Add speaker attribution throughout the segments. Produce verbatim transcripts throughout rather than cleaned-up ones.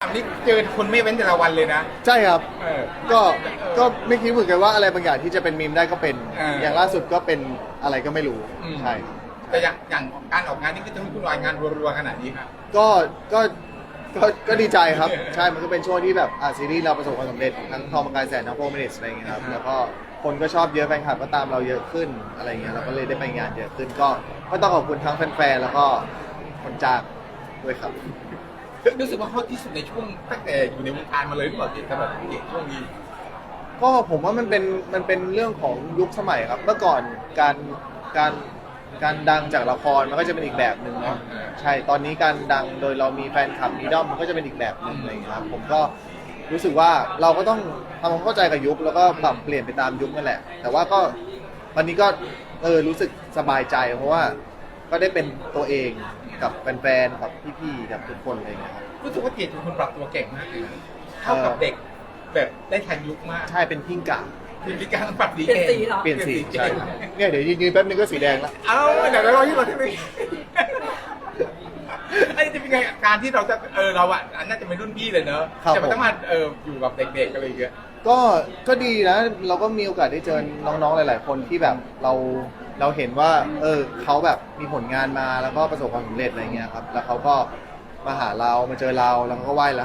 Speaker 1: อันนี้เจอคนไม่เว้นแต่ละวันเลยนะ
Speaker 2: ใช่ครับ
Speaker 1: เออ
Speaker 2: ก็ก็ไม่คิดเหมือนกันว่าอะไรบางอย่างที่จะเป็นมีมได้ก็เป็น
Speaker 1: เออ
Speaker 2: อ
Speaker 1: อย่าง
Speaker 2: ล่าสุดก็เป็นอะไรก็ไม่รู้
Speaker 1: อืม
Speaker 2: ใช่
Speaker 1: แต่อย่างอย่างการออกงานนี่ก็จะมีคุณรายงานรัวๆขนาดนี้ครับ
Speaker 2: ก็ก็ก็ก็ดีใจครับใช่มันก็เป็นช่วงที่แบบอ่ะซีรีส์เราประสบความสำเร็จทั้งทอมกายแสนทั้งโฟร์มินิทอะไรอย่างเงี้ยครับแล้วก็คนก็ชอบเยอะแฟนคลับก็ตามเราเยอะขึ้นอะไรอย่างเงี้ยเราก็เลยได้ไปงานเยอะขึ้นก็ก็ต้องขอบคุณทั้งแฟนๆแล้วก็คนจ้างด้วยครับ
Speaker 1: รู้สึกว่าฮอตที่สุดในช่วงตั้งแต่อยู่ในวงการมาเลยหรือเปล่าที่สำหรับเด็กช่วงนี้
Speaker 2: ก็ผมว่ามันเป็นมันเป็นเรื่องของยุคสมัยครับเมื่อก่อนการการการดังจากละครมันก็จะเป็นอีกแบบหนึ่งเนาะใช่ตอนนี้การดังโดยเรามีแฟนคลับมีด้อมมันก็จะเป็นอีกแบบหนึ่งอะไรอย่างเงี้ยครับผมก็รู้สึกว่าเราก็ต้องทำความเข้าใจกับยุคแล้วก็ปรับเปลี่ยนไปตามยุคนั่นแหละ แต่ว่าก็วันนี้ก็เออรู้สึกสบายใจเพราะว่าก็ได้เป็นตัวเองกับแฟนๆกับพี่ๆกับทุกคนอะไรอย่างเงี้ยครับ
Speaker 1: รู้สึกว่าเกดเป็นคนปรับตัวเก่งมากเลยนะเข้ากับเด็กแบบได้ทันยุคมาก
Speaker 2: ใช่เป็นพิงกะ
Speaker 1: มีวิธีการปรับดี
Speaker 3: เปลี่ยน
Speaker 1: เก่ง
Speaker 3: สีเหรอ
Speaker 2: เปลี่ยนสีใช่เนี่ยเดี๋ยวยืนๆแป๊บนึงก็สีแดงแล้ว
Speaker 1: เอ้าเดี๋ยวเรารอที่เราที่นี่ไอ้จะเป็นไงการที่เราจะเออเราอ่ะน่าจะเป็นรุ่นพี่เลยเนอะจะไม่ต้องมาเอออยู่กับเด็กๆอะไรอย่างเงี้ย
Speaker 2: ก็ก็ดีนะเราก็มีโอกาสได้เจอน้องๆหลาย ๆ คนที่แบบเราเราเห็นว่า เออเขาแบบมีผลงานมาแล้วก็ประสบความสำเร็จอะไรเงี้ยครับแล้วเขาก็มาหาเรามาเจอเราแล้วเขาก็ไหว้เรา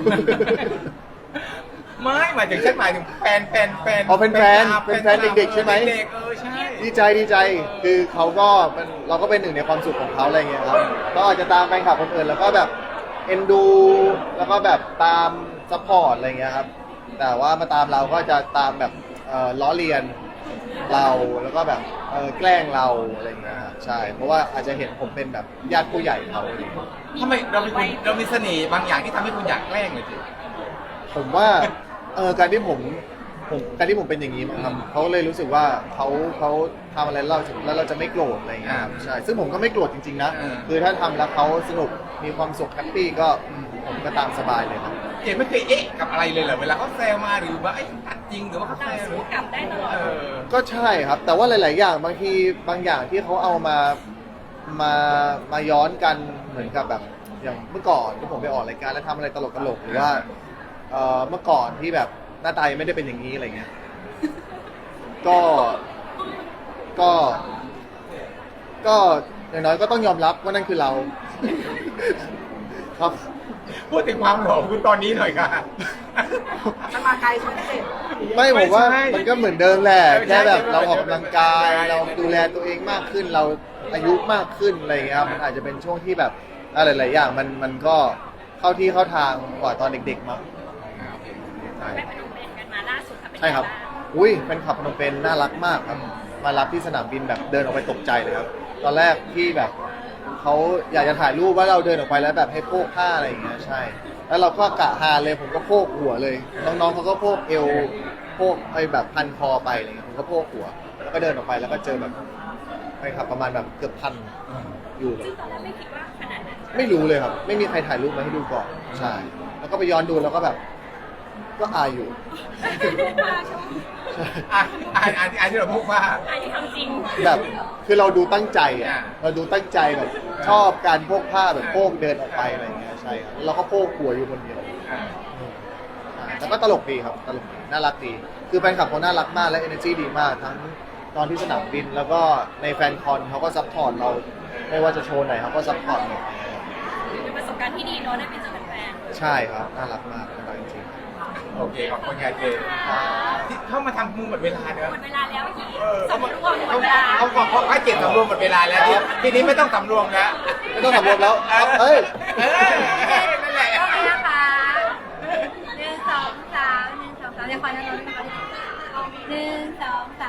Speaker 1: ไม่หมายถึงฉันหมายถึงแฟนแฟนแฟน
Speaker 2: อ๋อเป็นแฟนเป็นแฟนเด็กๆใช่ไหม
Speaker 1: เด็กๆเออใช่
Speaker 2: ดีใจดีใจคือเขาก็มันเราก็เป็นหนึ่งในความสุขของเขาอะไรเงี้ยครับก็อาจจะตามแฟนคลับคนอื่นแล้วก็แบบเอ็นดูแล้วก็แบบตามซัพพอร์ตอะไรเงี้ยครับแต่ว่ามาตามเราก็จะตามแบบเอ่อล้อเลียนเราแล้วก็แบบเออแกล้งเราอะไรเงี้ยครับใช่เพราะว่าอาจจะเห็นผมเป็นแบบญาติผู้ใหญ่เขาอะไรเงี้ย
Speaker 1: ทำไมเราเป็นคนเรามีเสน่ห์บางอย่างที่ทำให้คุณอยากแกล้งเลยจิ
Speaker 2: ผมว่าเออการที่ผมผมการที่ผมเป็นอย่างนี้มั้งครับเขาเลยรู้สึกว่าเขาเขาทำอะไรเราแล้วเราจะไม่โกรธอะไรอย่างเงี้ยครับใช่ซึ่งผมก็ไม่โกรธจริงๆนะคือถ้าทำแล้วเขาสนุกมีความสุขแฮปปี้ก็ผมก็ตามสบายเลยครับ
Speaker 1: เจนไม่เคยเอ๊ะกับอะไรเลยเหรอเวลาเขาแซวมาหรือว่าไอ้ตัดจริงหรือว่าเขาแซ
Speaker 3: เรา
Speaker 1: วหรื
Speaker 3: สู้
Speaker 1: อก
Speaker 3: ลับได้ตลอด
Speaker 1: เออ
Speaker 2: ก็ใช่ครับ แต่ว่าหลาย ๆ อย่างบางทีบางอย่างที่เขาเอามามามาย้อนกันเหมือนกับแบบอย่างเมื่อก่อนที่ผมไปออกรายการแล้วทำอะไรตลกๆหรือว่าเอ่อเมื่อก่อนที่แบบหน้าตายังไม่ได้เป็นอย่างนี้อะไรเงี้ย ก็ ก็ ก็อย่างน้อยก็ต้องยอมรับว่านั่นคือเรา ครับ
Speaker 1: พูดถึงความหล่อของคุณตอนนี้หน่อยค่ะ
Speaker 3: มันมาไกลใช่ไหมเด็ก
Speaker 2: ไม่ผมว่า
Speaker 1: ไม่ใช่
Speaker 2: มันก็เหมือนเดิมแหละ
Speaker 1: ไม่ใช่
Speaker 2: แค่แบบ
Speaker 1: ไม่ใช่
Speaker 2: เราออกกำลังกาย
Speaker 1: ไม่ใช่
Speaker 2: เราดูแลตัวเองมากขึ้น เราอายุมากขึ้นอะไรอย่างเงี้ยครับมันอาจจะเป็นช่วงที่แบบอะไรหลายๆอย่างมันมันก็เข้าที่เข้าทางกว่าตอนเด็กๆมั้งใช่
Speaker 3: ไปพนมเปญกันมาล่าสุดค่ะเป็น
Speaker 2: ใช่ครับ
Speaker 3: ไงาง
Speaker 2: อุ้ยเป็นขับพนมเปญน่ารักมากครับ มารับที่สนามบินแบบเดินออกไปตกใจเลยครับ ตอนแรกที่แบบเขาอยากจะถ่ายรูปว่าเราเดินออกไปแล้วแบบให้โพกผ้าอะไรอย่างเงี้ยใช่ แล้วเราก็กะฮาเลยผมก็โพกหัวเลย น้องๆเขาก็โพกเอวโพกไอ้แบบพันคอไปอะไรเงี้ยผมก็โพกหัว แล้วก็เดินออกไปแล้วก็เจอแบบไปขับประมาณแบบเกือบพันอยู่แบบ
Speaker 3: ซึ่งตอนแรกไม่คิดว่าขนาดนั้น
Speaker 2: ไม่รู้เลยครับ ไม่มีใครถ่ายรูปมาให้ดูก่อนใช่ แล้วก็ไปย้อนดูแล้วก็แบบ ก็อายอยู่
Speaker 3: มาชม
Speaker 2: ใช่
Speaker 1: อ่ะอ่านอ่านอ่านที่เราพูดว่า
Speaker 3: อันนี้ทำจริง
Speaker 2: แบบคือเราดูตั้งใจอ่ะ
Speaker 1: อ่า
Speaker 2: เราดูตั้งใจแบบชอบการโพกผ้าแบบโพกเดินออกไปอะไรอย่างเงี้ยใช่ครับแล้วเราก็โพกหัวอยู่คนเดียว
Speaker 1: อ่า
Speaker 2: ใช่แต่ก็ตลกดีครับตลกดีน่ารักดี คือแฟนคลับเขาน่ารักมากและ energy ดีมากทั้งตอนที่สนามบินแล้วก็ในแฟนคอนเขาก็ซัพพอร์ตเรา ไม่ว่าจะโชว์ไหนเขาก็ซัพพอร์ตหมด
Speaker 3: เป็นประสบการณ์ที่ดีเนาะได้ไปเจอแฟน
Speaker 2: ใช่ครับน่ารักมากน่ารักจริง
Speaker 1: โอเคขอบคุณยายเจนที่เข้ามาทำมือหมดเวลาเน
Speaker 3: ๆ
Speaker 1: อะ
Speaker 3: หมดเวลาแล้วอีก
Speaker 1: เออ
Speaker 3: สำรวมหม
Speaker 1: เขา
Speaker 3: ดเวลา
Speaker 1: เขาเขาเขาเก็บสำรวมหมดเวลาแล้วทีทีนี้ไม่ต้องสำรวมแล้ว
Speaker 2: ๆไม่ต้องสำรวมแล้วเอ้ย
Speaker 1: เออนั่นแหละ
Speaker 3: โอเคนะคะหนึ่งสองสามหนึ่งสองสามเดี๋ยวขอแนะนำนะคะหนึ่งสอง